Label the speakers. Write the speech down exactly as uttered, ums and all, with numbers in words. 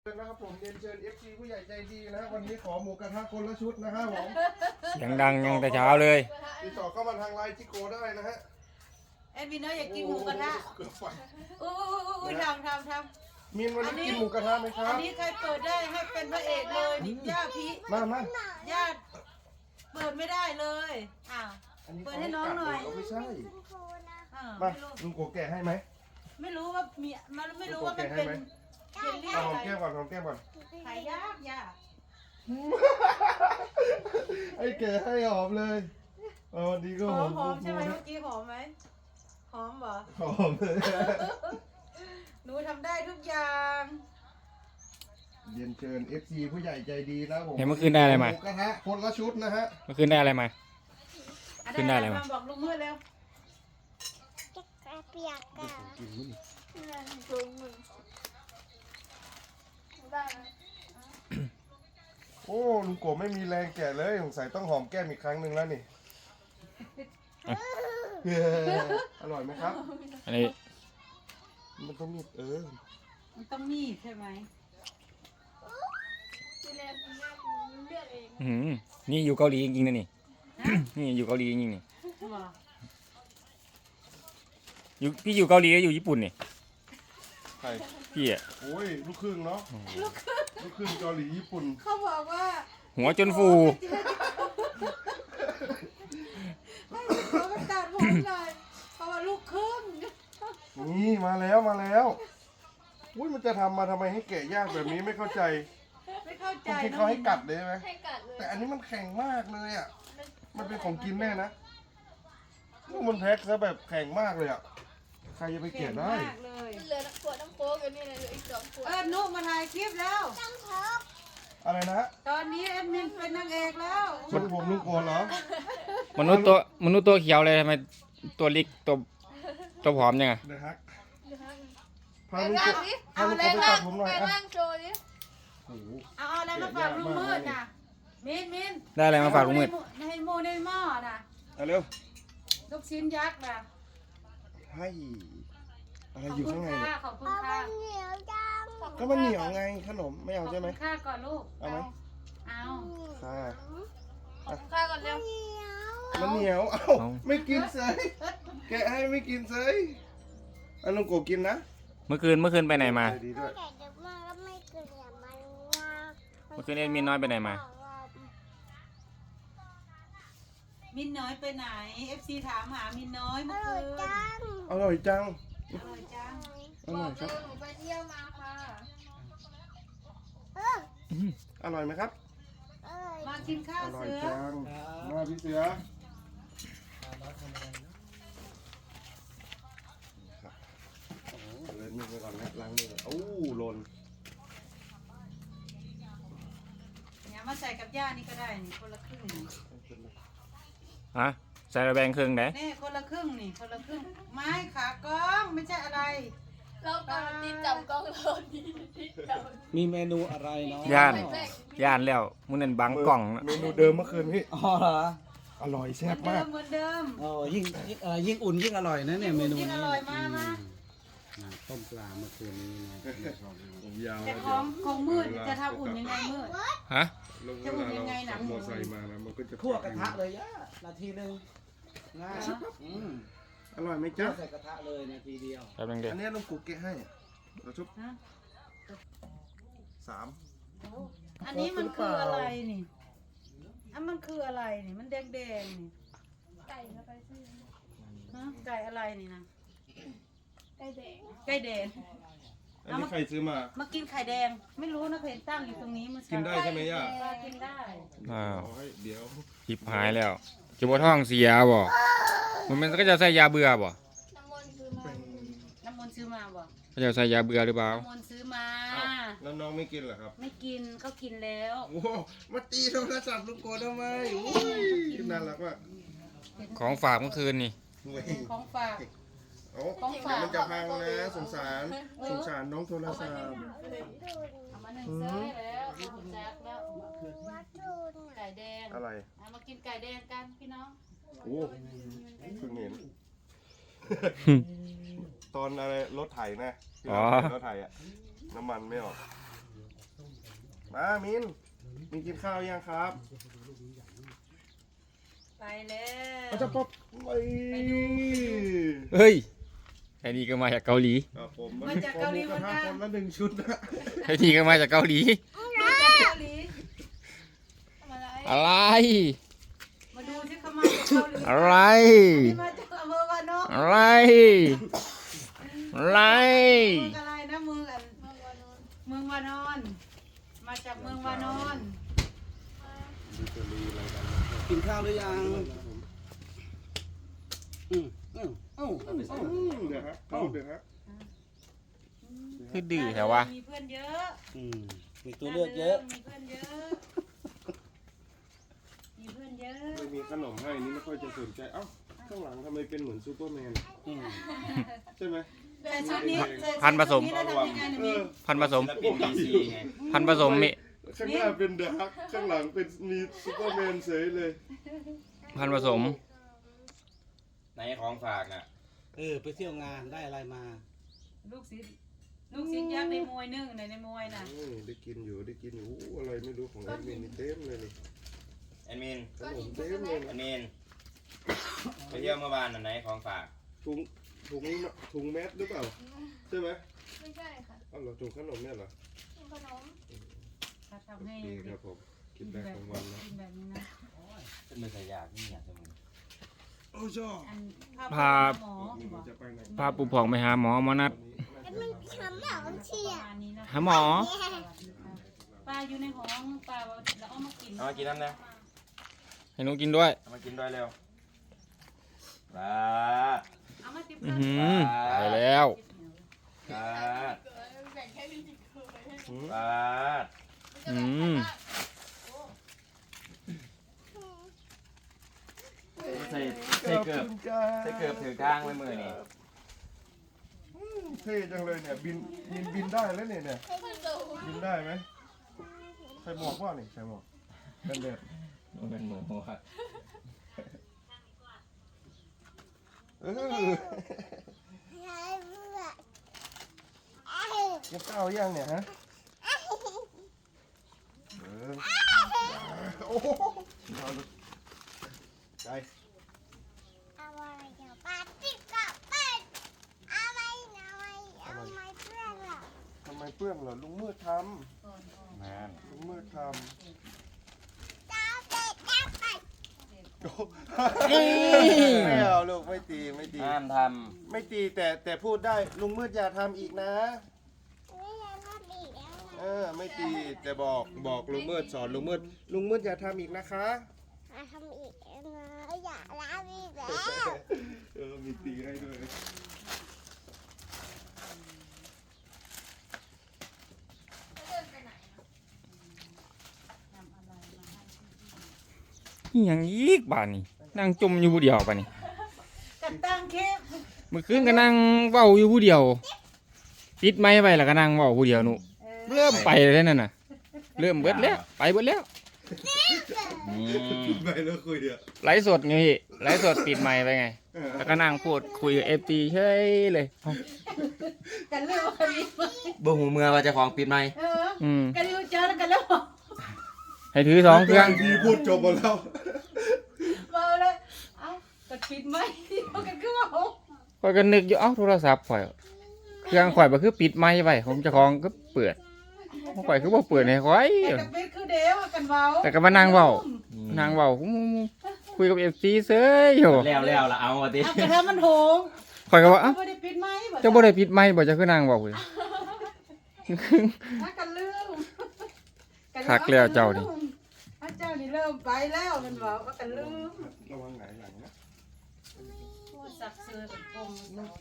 Speaker 1: นะครับผมเรียนเชิญ เอฟ ซี ผู้ใหญ่ใจดีนะวันนี้ขอหมูกระทะคนละชุดนะฮะผม
Speaker 2: เสียงดังยังแต่เช้าเลย
Speaker 1: ติดต่อเข้ามาทางไลน์ที่โกได้นะฮะ
Speaker 3: แอดมินเนอร์อยากกินหมูกระทะ
Speaker 1: เกือบไฟ
Speaker 3: อู้อู้ทำทำทำ
Speaker 1: มีนวันนี้กินหมูกระทะไหมครั
Speaker 3: อั
Speaker 1: บ
Speaker 3: นนี้ใครเปิดได้ให้เป็นพระเอกเลยนี่ญาติพี่
Speaker 1: มามา
Speaker 3: ญาติเปิดไม่ได้เลยอ้าว
Speaker 1: อันนี้
Speaker 3: เปิดให้น้องหน่อย
Speaker 1: เขาไม่ใช่
Speaker 3: อ่า
Speaker 1: มา
Speaker 3: ไม่รู้
Speaker 1: ลุงโกแกะให้ไหม
Speaker 3: ไม่รู้ว่ามีมันไม่รู้ว่ามันเป็นเจลลี่
Speaker 1: เอาหอม
Speaker 3: อะไร
Speaker 1: แก้มก่อนหอมแก้มก่อน
Speaker 3: ขายยากยาก
Speaker 1: ไอ้แกะให้หอมเลยเออวันนี้ก็
Speaker 3: ห
Speaker 1: ห
Speaker 3: อ
Speaker 1: อ
Speaker 3: ม
Speaker 1: ม
Speaker 3: หอมใช่ไหม
Speaker 1: นะ
Speaker 3: เมื่อกี้หอมไหมหอมเหรอ
Speaker 1: หอมเลย
Speaker 3: หนูทำได้ทุกอย่าง
Speaker 1: เรียนเชิญ เอฟ ซี ผู้ใหญ่ใจดีนะผม
Speaker 2: เห็นเมื่อคืนได้อะไรมา
Speaker 1: หมูกระทะคนละชุดนะฮะ
Speaker 2: เมื่อคืนได้อะไรมา
Speaker 3: อ่ะ
Speaker 2: ขึ้นได้เลยไหม
Speaker 3: มาบอกลุงมืดเร็ว
Speaker 4: เปียกอะ
Speaker 1: กินมื้อ
Speaker 4: ลุงมึงได้ไหม
Speaker 1: โอ้ลุงโกไม่มีแรงแกะเลยสงสัยต้องหอมแก้มอีกครั้งหนึ่งแล้วนี่ อร่อยไหมครับ
Speaker 2: อันนี้
Speaker 1: มันต้องมีเออ
Speaker 3: มันต้องมีดใช่ไหม
Speaker 4: ทีแรกคุณแม่เลือกเอง
Speaker 2: อื้อหือนี่อยู่เกาหลีจริงๆนะนี่ นี่อยู่เกาหลีจริงๆนี่
Speaker 3: เหรอ
Speaker 2: อยู่พี่อยู่เกาหลีหรืออยู่ญี่ปุ่นนี่
Speaker 1: ใคร
Speaker 2: พี่อะ
Speaker 1: โอ้ยลูกครึ่งเนาะลูกครึ่งเกาหลีญี่ปุ่น
Speaker 3: เขาบอกว่า
Speaker 2: หัวจนฟู
Speaker 3: ให้เขาไปตัดผมหน่อยเพราะว่าลูกครึ่ง
Speaker 1: นี่มาแล้วมาแล้วอุ้ยมันจะทำมาทำไมให้แกะยากแบบนี้ไม่เข้าใจ
Speaker 3: ไม่เข้า
Speaker 1: ผ
Speaker 3: ใจ
Speaker 1: มคิดเขาให้กัดเลยไหม
Speaker 4: ให้กัดเลย
Speaker 1: แต่อันนี้มันแข็งมากเลยอ่ะมันเป็นของกินแน่นะมันแพ็คซะแบบแข็งมากเลยอ่ะใครจะไป
Speaker 3: เก่
Speaker 1: แกะ
Speaker 3: ง
Speaker 1: ได้
Speaker 3: มากเลย
Speaker 4: เหลือขวดน้ำโค้กอยู่นี่เลยเหลืออีกสองขวด
Speaker 3: เออนุมาถ่ายคลิปแล้ว
Speaker 4: น้ำโค้ก
Speaker 1: อะไรนะ
Speaker 3: ตอนนี้แอดมินเป็นนางเอกแล้ว
Speaker 1: มันผมลุงโกนเหรอ
Speaker 2: มนุษย์ตัวมนุษย์ตัวเขียวเลยทำไมตัวเล็กตัวตัวผอมยังไง
Speaker 1: เดี๋ยวฮัก
Speaker 4: เดี๋ยวฮะ
Speaker 1: พา
Speaker 4: แปล
Speaker 1: ลุง
Speaker 4: ง
Speaker 1: โก
Speaker 4: ร่างดิ
Speaker 1: พาลุงโกไปตัดผมหน่อย
Speaker 4: แปลง
Speaker 1: อ่ะ
Speaker 4: ร่างโชว์ดิ
Speaker 1: โอ้โห
Speaker 3: เอาเอาอะไรมาฝากลุงมืดน่ะมินมิน
Speaker 2: ได้อะไรมาฝากลุงมืด
Speaker 3: ให้โมในหม้อน่ะ
Speaker 1: เอาเร็ว
Speaker 3: ลูกชิ้นยักษ์น่ะ
Speaker 1: ให้อะไร
Speaker 3: ขอบ
Speaker 1: อยู่
Speaker 3: คุ
Speaker 1: ข้าง
Speaker 3: ณ
Speaker 1: ใน
Speaker 3: ค่า
Speaker 1: เนี่ย
Speaker 3: ขอบคุณ
Speaker 4: เอา
Speaker 3: ค่า
Speaker 4: มันเหนียวจัง
Speaker 1: ก็มันเหนียวไงขนมไม่
Speaker 3: ข
Speaker 1: เอา
Speaker 3: อบ
Speaker 1: ใช่ไหม
Speaker 3: คุณค่าก่อนลูก
Speaker 1: เอาไหม
Speaker 3: เอา
Speaker 1: ค่ะ
Speaker 4: ขอบคุณค่าก่อนเร็ว
Speaker 1: มันเหนียวเอ้าไม่กินเสยแกะให้ไม่กินเสยอันลุงโกกินนะ
Speaker 2: เมื่อคืนเมื่อคืนไปไหนมา
Speaker 1: ดีด้วย
Speaker 4: แต่เดี๋ยวมาก็ไม่เกินอย่ามันว่า
Speaker 2: เมื่อคืนเอ็ดมินน้อยไปไหนมา
Speaker 3: มินน้อยไปไหน เอฟซีถามหามินน้อย
Speaker 4: อ
Speaker 3: เมื่อ
Speaker 4: ร่
Speaker 3: คื
Speaker 4: อย
Speaker 3: น
Speaker 4: จัง
Speaker 1: อร่อยจัง
Speaker 3: อร่อยจัง
Speaker 1: อร่อยครับ
Speaker 4: หนูไปเที่ยวมาค่ะเออ
Speaker 1: อร่อยไหมครับ
Speaker 4: อร่อย
Speaker 3: มากินข้าว
Speaker 1: อร่อย
Speaker 3: เสือ
Speaker 1: จังมาพี่เสือครับโอ้โหเลยมือไปก่อนนะล้างมือโอ้หล่น
Speaker 3: เนี่ยมาใส่กับย่านี่ก็ได้นี่คนละครึ่งนี่
Speaker 2: ฮะใส่ระแบงเครื่องไหน
Speaker 3: นี่คนละครึ่งนี่คนละครึ่งไม้ขากล้องไม่ใช่อะไร
Speaker 4: เราตอนตีจับกล้องเราดีที่จับ
Speaker 5: มีเมนูอะไรเนาะ
Speaker 2: ย่านย่านแล้วมึงนั่นบังกล่องนะ
Speaker 1: เมนูเดิมเมื่อคืนพี่
Speaker 5: อ๋อเหรอ
Speaker 1: อร่อย
Speaker 3: เห
Speaker 1: แซ่
Speaker 3: มือบ นเดิ
Speaker 1: มาก
Speaker 3: มเหมือนเดิม
Speaker 5: โอ้ยิ่งยิ่งเอ่อยิ่งอุ่นยิ่งอร่อยนะเนี่ยเมนู
Speaker 3: ยิ่ง
Speaker 5: นี้
Speaker 3: อร่อยมากมา
Speaker 5: อืมต้มปลาเมื่อคืนนี้นะ
Speaker 1: ผมยาว
Speaker 3: แต่ของของมืดจะทำอุ่นยังไงมืด
Speaker 2: ฮะ
Speaker 3: จะอุ่นยังไงหนังหมู
Speaker 1: มอไซค์มาแล้วมันก็จะ
Speaker 5: คั่วกระทะเลยย่านาทีหนึ่งง่ายอืม
Speaker 1: อร่อยไหม
Speaker 5: คั่
Speaker 1: จ๊ะ
Speaker 5: วใส่กระทะเลยนาทีเดียว
Speaker 2: แป๊บนึงเดีย
Speaker 1: อั
Speaker 2: วน
Speaker 1: นี้ลุงกูเกะให้เราชุบ
Speaker 3: ฮะ
Speaker 1: สาม
Speaker 3: อันนี้มันคืออะไรนี่อันมันคืออะไรนี่มันแดงแดงๆนี่
Speaker 4: ไก่เข้าไปสิ
Speaker 3: ฮะไก่อะไรนี่นะ
Speaker 4: ไก่แดง
Speaker 3: ไก่แดง
Speaker 1: อันนี้ใครซื้อมา
Speaker 3: มากินไข่แดง ไม่รู้นะเห็นตั้งอยู่ตรงนี้เมื่อ
Speaker 1: กิน
Speaker 3: เช้า
Speaker 1: ได้ใช่ไหมย่า
Speaker 3: ปลากินได้
Speaker 2: อ้าว
Speaker 1: เอาให้เดี๋ยว
Speaker 2: หิบหายแล้วจะบ่ท้องเสียบ่มันมันก็จะใส่ยาเบื่อบ่
Speaker 4: น้ำมันคือมา
Speaker 3: น้ำมนต์ซื้อมาบ่
Speaker 2: เขาจะใส่ยาเบื่อหรือเปล่า
Speaker 3: น้ำมนต์ซื้อมา
Speaker 1: อ้าวแล้วน้องไม่กินเหรอครับ
Speaker 3: ไม่กินเขากินแล้ว
Speaker 1: โอ้โหมาตีโทรศัพท์ลุงโกทำไมโอ้ยน่ารักมาก
Speaker 2: ของฝากเมื่อคืนนี่
Speaker 1: เว้ย
Speaker 3: ของฝาก
Speaker 1: โอ้
Speaker 3: ของฝาก
Speaker 1: มันจะพังนะสงสารสงสารน้องโทรศัพท์
Speaker 3: เอามาหนึ่งเซ้ยแล้วเอาแจ็คแล้ว
Speaker 4: วัดทุน
Speaker 3: ไก่แดง
Speaker 1: อะไร
Speaker 3: เอามากินไก่แดงกันพี่น้อง
Speaker 1: โอ้เพิ่งเห็น ตอนอะไรรถไถนะที่เราเห็นรถไถอะน้ำมันไม่ออกมามินมินกินข้าวยังครับ
Speaker 3: ไปแล้ว
Speaker 1: อาจจะป๊อปไป
Speaker 2: เฮ้ยไอ้นี่ก็มาจากเกาหลี
Speaker 1: ครับผม
Speaker 3: มาจากเกาหลีเหมือนกัน
Speaker 1: คนละหนึ่งชุดนะ
Speaker 2: ไอ้นี่ก็มาจากเกาหลี
Speaker 3: มาจากเกาหลี
Speaker 4: มาอะไร
Speaker 2: อะไร
Speaker 3: มาดูที่เขามาจากเกาหลี
Speaker 2: อะไร
Speaker 3: ที่มาจากอำเภอวานอน
Speaker 2: อะไร อะไร
Speaker 3: เมืองอะไรนะเมืองอันเมืองวานอน มาจากเมืองวานอน
Speaker 5: กินข้าวหรือยังอืมอืมอืม
Speaker 1: อืมเดี๋ยวฮะเอาเดี๋ยวฮะ
Speaker 2: คือดื้อแถววะ
Speaker 3: มีเพื่อนเยอะ
Speaker 5: อืมมีตัวเลือกเยอะ
Speaker 3: มีเพื่อนเยอะ มีเพื่อนเยอะ
Speaker 1: ไม่มีขนมให้นี่ไม่ค่อยจะสนใจเอ้าข้างหลังทำไมเป็นเหมือนซูเปอร์แมน
Speaker 5: อืม
Speaker 1: ใช่ไหม
Speaker 3: แต่ชุดนี้ใส่
Speaker 2: พันธุ์ผสม
Speaker 3: ชุดนี้แล้วทำยังไงนะ
Speaker 1: เอ
Speaker 3: มี
Speaker 1: อ
Speaker 2: พันธุ์ผสม
Speaker 6: ศิลปินดีซีไง
Speaker 2: พันธุ์ผสมมิ
Speaker 1: ข้างหน้าเป็นเดอะฮักข้างหลังเป็นมีซูเปอร์แมนเฉยเลย
Speaker 2: พันธุ์ผสม
Speaker 6: ไหนของฝากน่ะ
Speaker 5: เออไปเที่ยวงานได้อะไรมา
Speaker 3: ลูกศิษย์ลูกศิษย์ยักษ์ในมวยนึ่งในในมวยน่ะ
Speaker 1: อืมได้กินอยู่ได้กินอยู่อู้อะไรไม่รู้ของแอดมินนี่เต็มเลยนี่
Speaker 6: แอดมิน
Speaker 1: ขนมเต็มเลย
Speaker 6: แอ
Speaker 1: นะ
Speaker 6: ดมินไปเที่ยวเมื่อวานน่ะไหนของฝาก
Speaker 1: ถุงถุงถุงแมสหรือเปล่าใช่ไหม
Speaker 4: ไม่ใช่ค่ะ
Speaker 1: อ้าวเหรอถุงขนมเนี่ยเหรอ
Speaker 4: กินขนม
Speaker 3: ถ้า
Speaker 1: โอ
Speaker 3: ทำให้
Speaker 1: เคค
Speaker 3: เด็
Speaker 1: รั
Speaker 3: ก
Speaker 1: บผมกิ
Speaker 3: กิ
Speaker 1: น
Speaker 3: น
Speaker 1: แบ
Speaker 3: แบบ บ
Speaker 1: กลางวันนะ
Speaker 3: กินแบบนี้นะ
Speaker 6: เป็นมือสายยากนี่อยากจะมึง
Speaker 1: โอ้ชอบ
Speaker 3: อัน
Speaker 2: พา
Speaker 3: หมอ
Speaker 1: นี่
Speaker 3: บอก
Speaker 1: จะไปไหน
Speaker 2: พาปู่ผ่องไปหาหมอหมอนัด
Speaker 3: ประมาณนี้นะ
Speaker 2: หาหมอ
Speaker 3: ปลาอยู่ในห้องปลาแล้วเอามากิน
Speaker 6: เอามากินน้ำนะ
Speaker 2: ให้หนูกินด้วย
Speaker 6: เอามากินด้วยเร็วลาด
Speaker 3: เอามาติบ
Speaker 2: อือ
Speaker 3: ข้าว
Speaker 2: หือไปแล้ว
Speaker 6: ลาด
Speaker 4: แบ่งแค่ลิ้นจิกเคย
Speaker 6: ลาด
Speaker 2: อืม
Speaker 6: ใส่ใส่เกือบใส่เกือบถือข้างไว้มือนี่
Speaker 1: เท่จังเลยเนี่ยบินบินบินได้แล้วเนี่ยเนี่ยบินได้ไหมใส่หมวกว่านี่ใส่หมวกเป็นแบบ
Speaker 6: เป็นหมูครับ
Speaker 1: เออกินข้าวยังเนี่ยฮะเออโอ้โหเอาดูใจ ทำไมเปื้อนเหรอลุงมืดท
Speaker 6: นั่น
Speaker 1: ำลุงมืดทำโอ้ไม่เอาลูกไม่ตีไม่ตี
Speaker 6: ห้ามท
Speaker 1: ไม่ตีแต่แต่พูดได้ลุงมืดอย่าทำอีกนะ เออไม่ตีแต่บอกบอกลุงมืดสอนลุงมืดลุงมืดอย่าทำอีกนะคะเออมีตีให้ด้วย
Speaker 2: นี่ยังอีกบ้านนี่นั่งจมอยู่ผู้เดียวป่ะนี่
Speaker 3: กับตังเข้ม
Speaker 2: เมื่อคืนก็นั่งเว้าอยู่ผู้เดียวปิดไม้ไปแล้วก็นั่งเว้าผู้เดียวหนูเริ่มไปเลยนั่นน่ะ เริ่มเบิดแล้วไปเบิดแล้วอืม
Speaker 1: ไปแล้วคุยเดี๋ยว
Speaker 2: ไลฟ์สดไงพี่ไลฟ์สดปิดไมค์ไปไง แล้วก็นั่งพูดคุยกับเอฟตีเฉยเลยเอ้า
Speaker 3: กันเร็วกันนี้
Speaker 6: ำบ่หูเมื่อว่าจะของปิดไหม
Speaker 3: เออ
Speaker 2: อืม
Speaker 3: กันเร็วเจอแล้วกันแล้ว
Speaker 2: ให้ถือสองเครื่อง
Speaker 1: ดีพูดจบหมดแล้ว
Speaker 3: เมาเลยเอ้าก็ปิดไหมเอากันคือว่าโอ้
Speaker 2: ข่อยก็นึกอยู่เอ้าโทรศัพท์ข่อยเครื่องข่อยบ่คือปิดไมค์ไว้ของเจ้าของก็เปิดของข่อยคือบ่เปิดให้ข่อย
Speaker 3: แต่กับเป็ดคือเดียวกันเว้า
Speaker 2: แต่ก็มานั่งเว้านั่งเว้าคุยกับเอฟซีเฉยอยู่
Speaker 6: แล้วแล้วละเอามาดิ
Speaker 3: เอากระทะมันโหง
Speaker 2: ข่อยก็ว่าเอ้า
Speaker 3: ไม่ได้ปิดไหม
Speaker 2: เจ้าบ่ได้ปิดไมค์บ่เจ้าคือนั่งเว้าเลย
Speaker 3: ถ้ากันลืม
Speaker 2: คักแล้วเจ้านี่
Speaker 3: ถ้าเจ้านี่เริ่มไปแล้วมันบอกว่ากันลืม
Speaker 1: ระวังไหนหลังนะ
Speaker 3: สักเสือกับกลม